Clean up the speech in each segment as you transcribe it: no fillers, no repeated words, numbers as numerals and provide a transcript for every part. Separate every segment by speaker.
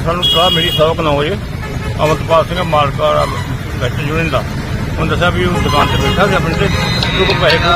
Speaker 1: ਸਾਨੂੰ ਸਲਾਹ ਮਿਲੀ 9:09 ਵਜੇ ਅਮਰਪਾਲ ਸਿੰਘ ਮਾਲਕ ਵਾਲਾ ਵੈਸਟਰਨ ਯੂਨੀਅਨ ਦਾ। ਉਹਨੇ ਦੱਸਿਆ ਵੀ ਉਹ ਦੁਕਾਨ ਤੇ ਬੈਠਾ ਸੀ ਆਪਣੇ ਤੇ ਕੋਈ ਪੈਸੇ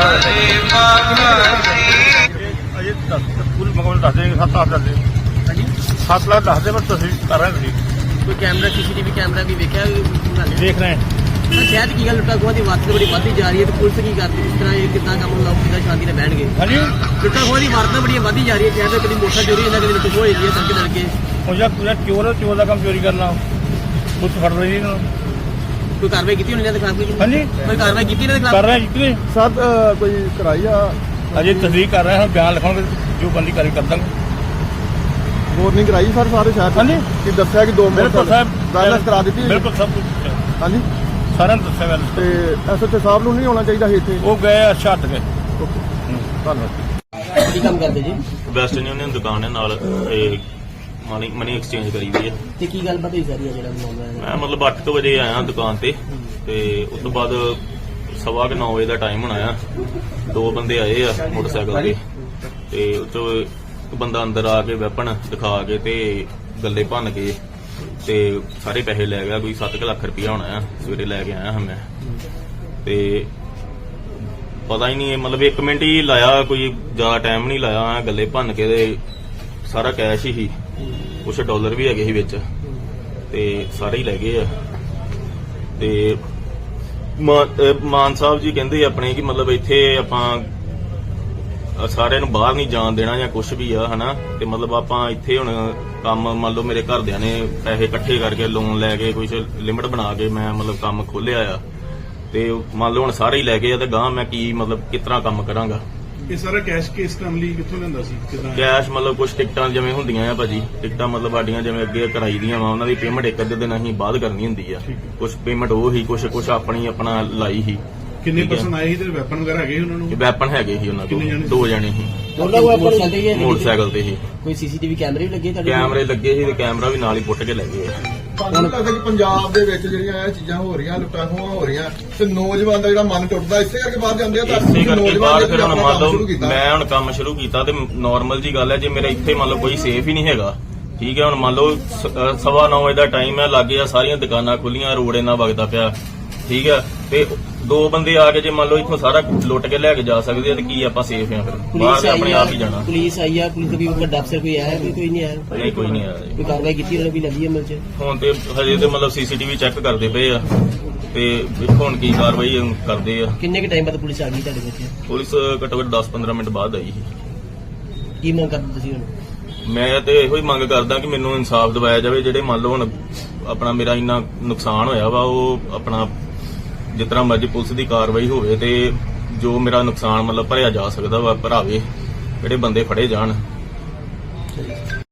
Speaker 1: ਅਜੇ ਪੂਰੀ ਮਗਵਲ ਦੱਸ ਦੇਣਗੇ 7 ਲੱਖ ਦੱਸਦੇ।
Speaker 2: ਹਾਂਜੀ
Speaker 1: 7 ਲੱਖ ਦੱਸਦੇ ਪਰ ਤੁਸੀਂ ਕਰ ਰਹੇ ਤੁਸੀਂ
Speaker 2: ਕੋਈ ਕੈਮਰਾ ਸੀਸੀਟੀਵੀ ਕੈਮਰਾ ਵੀ ਵੇਖਿਆ
Speaker 1: ਦੇਖ ਰਹੇ
Speaker 2: ਸ਼ਾਇਦ ਕੀ ਗੱਲ ਲੁੱਟਾ ਖੋਹਾਂ ਦੀ ਵਾਰਦਾਤ ਬੜੀ ਵੱਧਦੀ ਜਾ ਰਹੀ ਹੈ ਤੇ ਪੁਲਿਸ ਕੀ ਕਰਦੀ ਇਸ ਤਰ੍ਹਾਂ ਇਹ ਕਿੱਦਾਂ ਕੰਮ ਲੋਕ ਕਿੱਦਾਂ ਸ਼ਾਂਤੀ ਨਾਲ ਬਹਿਣਗੇ।
Speaker 1: ਹਾਂਜੀ
Speaker 2: ਲੁੱਟਾ ਖੋਹਾਂ ਦੀ ਵਾਰਦਾਤ ਬੜੀ ਵੱਧਦੀ ਜਾ ਰਹੀ ਹੈ ਸ਼ਾਇਦ ਕਦੀ ਮੋਟਰ ਚੋਰੀ ਹੁੰਦਾ ਕਦੀ ਲੁੱਟ ਖੋਹ ਹੋ ਜਾਂਦੀ ਹੈ ਸੜਕ ਤੜਕੇ।
Speaker 1: ਉਹ ਜਿਹੜਾ ਚੋਰ ਦਾ ਕੰਮ ਚੋਰੀ ਕਰਨਾ ਪੁਲਿਸ ਫੜ ਰਹੀ ਜੀ ਇਹਨਾਂ ਨੂੰ।
Speaker 2: ਕੋਈ ਕਾਰਵਾਈ ਕੀਤੀ ਉਹਨਾਂ ਦੇ ਖਿਲਾਫ
Speaker 1: ਹਾਂਜੀ
Speaker 2: ਕੋਈ ਕਾਰਵਾਈ ਕੀਤੀ ਇਹਨਾਂ ਦੇ
Speaker 1: ਕਰ
Speaker 2: ਖਿਲਾਫ
Speaker 1: ਰਹੇ ਜੀ
Speaker 3: ਸਰ ਕੋਈ ਕਰਾਈ ਆ
Speaker 1: ਅਜੇ ਤਸਦੀਕ ਕਰ ਰਹੇ ਹਾਂ ਬਿਆਨ ਲਿਖਾਉਣਗੇ ਜੋ ਬੰਦੀ ਕਾਰਵਾਈ ਕਰ ਦਾਂਗੇ।
Speaker 3: ਵਾਰਨਿੰਗ ਕਰਾਈ ਸਰ ਸਾਰੇ ਸ਼ਹਿਰ ਚ?
Speaker 1: ਹਾਂਜੀ
Speaker 3: ਕਿ ਦੱਸਿਆ ਕਿ 2
Speaker 1: ਬਿਲਕੁਲ ਸਾਹਿਬ
Speaker 3: ਵਾਇਰਲੈਸ ਕਰਾ ਦਿੱਤੀ?
Speaker 1: ਬਿਲਕੁਲ ਸਭ ਕੁਝ
Speaker 3: ਹਾਂਜੀ
Speaker 1: ਸਾਰਿਆਂ ਨੂੰ ਦੱਸਿਆ ਵੈਲ
Speaker 3: ਤੇ ਐਸਐਚਓ ਸਾਹਿਬ ਨੂੰ ਨਹੀਂ ਆਉਣਾ ਚਾਹੀਦਾ ਸੀ ਇੱਥੇ?
Speaker 1: ਉਹ ਗਏ ਛੱਡ ਕੇ।
Speaker 3: ਓਕੇ ਧੰਨਵਾਦ।
Speaker 2: ਕੀ ਕੰਮ ਕਰਦੇ ਜੀ
Speaker 4: ਵੈਸਟਰਨ ਯੂਨੀਅਨ ਦੁਕਾਨ ਹੈ ਨਾਲ ਇਹ ਮਨੀ ਐਕਸਚੇਂਜ ਕਰੀ ਦੀ ਹੈ।
Speaker 2: ਤੇ ਕੀ ਗੱਲਬਾਤ ਹੋਈ ਸਾਰੀ ਜਿਹੜਾ ਮਾਮਲਾ ਹੈ?
Speaker 4: ਮੈਂ ਮਤਲਬ 8 ਵਜੇ ਆਇਆ ਦੁਕਾਨ ਤੇ ਉਸ ਤੋਂ ਬਾਅਦ 9:15 ਵਜੇ ਦਾ ਟਾਈਮ ਹੋਣਾ ਆ। 2 ਬੰਦੇ ਆਏ ਆ ਮੋਟਰਸਾਈਕਲ ਤੇ ਤੇ ਉਹ ਚੋਂ ਇੱਕ ਬੰਦਾ ਅੰਦਰ ਆ ਕੇ ਵੈਪਨ ਦਿਖਾ ਕੇ ਤੇ ਗੱਲੇ ਭੰਨ ਕੇ ਤੇ ਸਾਰੇ ਪੈਸੇ ਲੈ ਗਿਆ। ਕੋਈ 7 ਲੱਖ ਰੁਪਇਆ ਹੋਣਾ ਆ। ਸਵੇਰੇ ਲੈ ਕੇ ਆਇਆ ਹਾਂ ਮੈਂ ਤੇ ਪਤਾ ਹੀ ਨਹੀਂ ਮਤਲਬ 1 ਮਿੰਟ ਹੀ ਲਾਇਆ, ਕੋਈ ਜ਼ਿਆਦਾ ਟਾਈਮ ਨਹੀਂ ਲਾਇਆ। ਗੱਲੇ ਭੰਨ ਕੇ ਤੇ ਸਾਰਾ ਕੈਸ਼ ਹੀ ਕੁਛ ਡਾਲਰ ਵੀ ਹੈਗੇ ਸੀ ਵਿੱਚ ਤੇ ਸਾਰੇ ਹੀ ਲੈ ਗਏ ਆ। ਤੇ ਮਾਨ ਸਾਹਿਬ ਜੀ ਕਹਿੰਦੇ ਆਪਣੇ ਕਿ ਮਤਲਬ ਇੱਥੇ ਆਪਾਂ ਸਾਰਿਆਂ ਨੂੰ ਬਾਹਰ ਨਹੀਂ ਜਾਣ ਦੇਣਾ ਜਾਂ ਕੁਛ ਵੀ ਆ ਹਨਾ। ਤੇ ਮਤਲਬ ਆਪਾਂ ਇੱਥੇ ਹੁਣ ਕੰਮ ਮੰਨ ਲਓ ਮੇਰੇ ਘਰਦਿਆਂ ਨੇ ਪੈਸੇ ਇਕੱਠੇ ਕਰਕੇ ਲੋਨ ਲੈ ਕੇ ਕੁਛ ਲਿਮਟ ਬਣਾ ਕੇ ਮੈਂ ਮਤਲਬ ਕੰਮ ਖੋਲਿਆ ਆ ਤੇ ਮੰਨ ਲਓ ਹੁਣ ਸਾਰੇ ਹੀ ਲੈ ਗਏ ਆ ਤੇ ਗਾਂ ਮੈਂ ਕੀ ਮਤਲਬ ਕਿਸ ਤਰ੍ਹਾਂ ਕੰਮ ਕਰਾਂਗਾ।
Speaker 5: ਇਹ ਸਾਰਾ ਕੈਸ਼ ਕਿਸ ਕੰਮ ਲਈ ਕਿੱਥੋਂ ਲੈਂਦਾ ਸੀ ਕਿਦਾਂ?
Speaker 4: ਕੈਸ਼ ਮਤਲਬ ਕੁਛ ਟਿਕਟਾਂ ਜਿਵੇਂ ਹੁੰਦੀਆਂ ਆ ਭਾਜੀ, ਟਿਕਟਾਂ ਮਤਲਬ ਸਾਡੀਆਂ ਜਿਵੇਂ ਅੱਗੇ ਕਰਾਈ ਦੀਆਂ ਵਾ ਉਹਨਾਂ ਦੀ ਪੇਮੈਂਟ ਇੱਕ ਅੱਧੇ ਦਿਨ ਅਸੀਂ ਬਾਅਦ ਕਰਨੀ ਹੁੰਦੀ ਆ। ਕੁਛ ਪੇਮੈਂਟ ਉਹ ਹੀ ਕੁਛ ਆਪਣਾ ਲਾਈ ਸੀ।
Speaker 5: ਕਿੰਨੇ ਪਰਸਨ ਆਏ ਸੀ ਤੇ ਵੈਪਨ ਵਗੈਰਾ ਹੈਗੇ ਸੀ ਉਹਨਾਂ ਨੂੰ?
Speaker 4: ਵੈਪਨ ਹੈਗੇ ਸੀ ਉਹਨਾਂ
Speaker 5: ਕਿੰਨੇ
Speaker 4: ਕੋਲ
Speaker 5: ਜਾਣੇ?
Speaker 4: 2 ਜਣੇ ਸੀ ਮੋਟਰਸਾਈਕਲ ਤੇ ਹੀ।
Speaker 2: ਕੋਈ ਸੀਸੀਟੀਵੀ ਕੈਮਰੇ ਵੀ ਲੱਗੇ ਤੁਹਾਡੇ?
Speaker 4: ਕੈਮਰੇ ਲੱਗੇ ਸੀ ਤੇ ਕੈਮਰਾ ਵੀ ਨਾਲ ਹੀ ਪੁੱਟ ਕੇ ਲੈ ਗਏ।
Speaker 3: ਤੁਹਾਨੂੰ ਲੱਗਦਾ ਕਿ ਪੰਜਾਬ ਦੇ ਵਿੱਚ ਜਿਹੜੀਆਂ ਇਹ ਚੀਜ਼ਾਂ ਹੋ ਰਹੀਆਂ, ਲੁੱਟਾਂ ਖੋਹਾਂ ਹੋ ਰਹੀਆਂ ਤੇ ਨੌਜਵਾਨ ਦਾ ਜਿਹੜਾ ਮਨ ਟੁੱਟਦਾ ਇਸੇ ਕਰਕੇ ਬਾਹਰ ਜਾਂਦੇ ਆ। ਤਾਂ
Speaker 4: ਇਸੇ ਕਰਕੇ
Speaker 3: ਨੌਜਵਾਨ
Speaker 4: ਬਾਹਰ ਫਿਰ ਹੁਣ ਮੰਨ ਲਓ
Speaker 3: ਸ਼ੁਰੂ ਕੀਤਾ।
Speaker 4: ਮੈਂ ਹੁਣ ਕੰਮ ਸ਼ੁਰੂ ਕੀਤਾ ਤੇ ਨਾਰਮਲ ਜੀ ਗੱਲ ਹੈ ਜੇ ਮੇਰਾ ਇੱਥੇ ਮੰਨ ਲਓ ਕੋਈ ਸੇਫ ਹੀ ਨਹੀਂ ਹੈਗਾ। ਠੀਕ ਹੈ ਹੁਣ ਮੰਨ ਲਓ 9:15 ਵਜੇ ਦਾ ਟਾਈਮ ਹੈ, ਲਾਗੇ ਆ ਸਾਰੀਆਂ ਦੁਕਾਨਾਂ ਖੁੱਲੀਆਂ, ਰੋਡ ਇੰਨਾ ਵਗਦਾ ਪਿਆ। ਠੀਕ ਹੈ ਤੇ 2 ਬੰਦੇ ਆ ਕੇ ਜੇ ਮੰਨ ਲਓ ਇੱਥੋਂ ਸਾਰਾ ਲੁੱਟ ਕੇ ਲੈ ਕੇ ਜਾ ਸਕਦੇ ਆ ਤੇ ਕੀ ਆਪਾਂ ਸੇਫ ਆ? ਫਿਰ ਬਾਹਰ ਤੇ ਆਪਣੇ ਆਪ ਹੀ ਜਾਣਾ।
Speaker 2: ਪੁਲਿਸ ਆਈ ਆ, ਪੁਲਿਸ ਦਾ ਵੀ ਵੱਡਾ ਅਫਸਰ ਕੋਈ ਆਇਆ ਕੋਈ ਨਹੀਂ ਆਇਆ?
Speaker 4: ਨਹੀਂ ਕੋਈ ਨਹੀਂ ਆਇਆ ਜੀ।
Speaker 2: ਕੋਈ ਕਾਰਵਾਈ ਕੀਤੀ ਉਹਨਾਂ ਵੀ ਲੱਗੀ ਅਮਲ ਚ?
Speaker 4: ਹੁਣ ਤੇ ਹਜੇ ਤੇ ਮਤਲਬ ਸੀਸੀਟੀਵੀ ਚੈੱਕ ਕਰਦੇ ਪਏ ਆ ਤੇ ਵੇਖੋ ਹੁਣ ਕੀ ਕਾਰਵਾਈ ਕਰਦੇ ਆ।
Speaker 2: ਕਿੰਨੇ ਕੁ ਟਾਈਮ ਬਾਅਦ ਪੁਲਿਸ ਆ ਗਈ ਤੁਹਾਡੇ ਵਿੱਚ?
Speaker 4: ਪੁਲਿਸ ਘੱਟੋ ਘੱਟ 10-15 ਮਿੰਟ ਬਾਅਦ ਆਈ ਸੀ।
Speaker 2: ਕੀ ਮੰਗ ਕਰਦੇ ਤੁਸੀਂ ਹੁਣ?
Speaker 4: ਮੈਂ ਤੇ ਇਹੋ ਹੀ ਮੰਗ ਕਰਦਾ ਕਿ ਮੈਨੂੰ ਇਨਸਾਫ ਦਿਵਾਇਆ ਜਾਵੇ। ਜਿਹੜੇ ਮੰਨ ਲਓ ਹੁਣ ਆਪਣਾ ਮੇਰਾ ਇੰਨਾ ਨੁਕਸਾਨ ਹੋਇਆ ਵਾ ਉਹ ਆਪਣਾ ਜਿਸ ਤਰ੍ਹਾਂ ਮਰਜ਼ੀ ਪੁਲਿਸ ਦੀ ਕਾਰਵਾਈ ਹੋਵੇ ਤੇ ਜੋ ਮੇਰਾ ਨੁਕਸਾਨ ਮਤਲਬ ਭਰਿਆ ਜਾ ਸਕਦਾ ਵਾ ਭਰਾਵੇ, ਜਿਹੜੇ ਬੰਦੇ ਫੜੇ ਜਾਣ।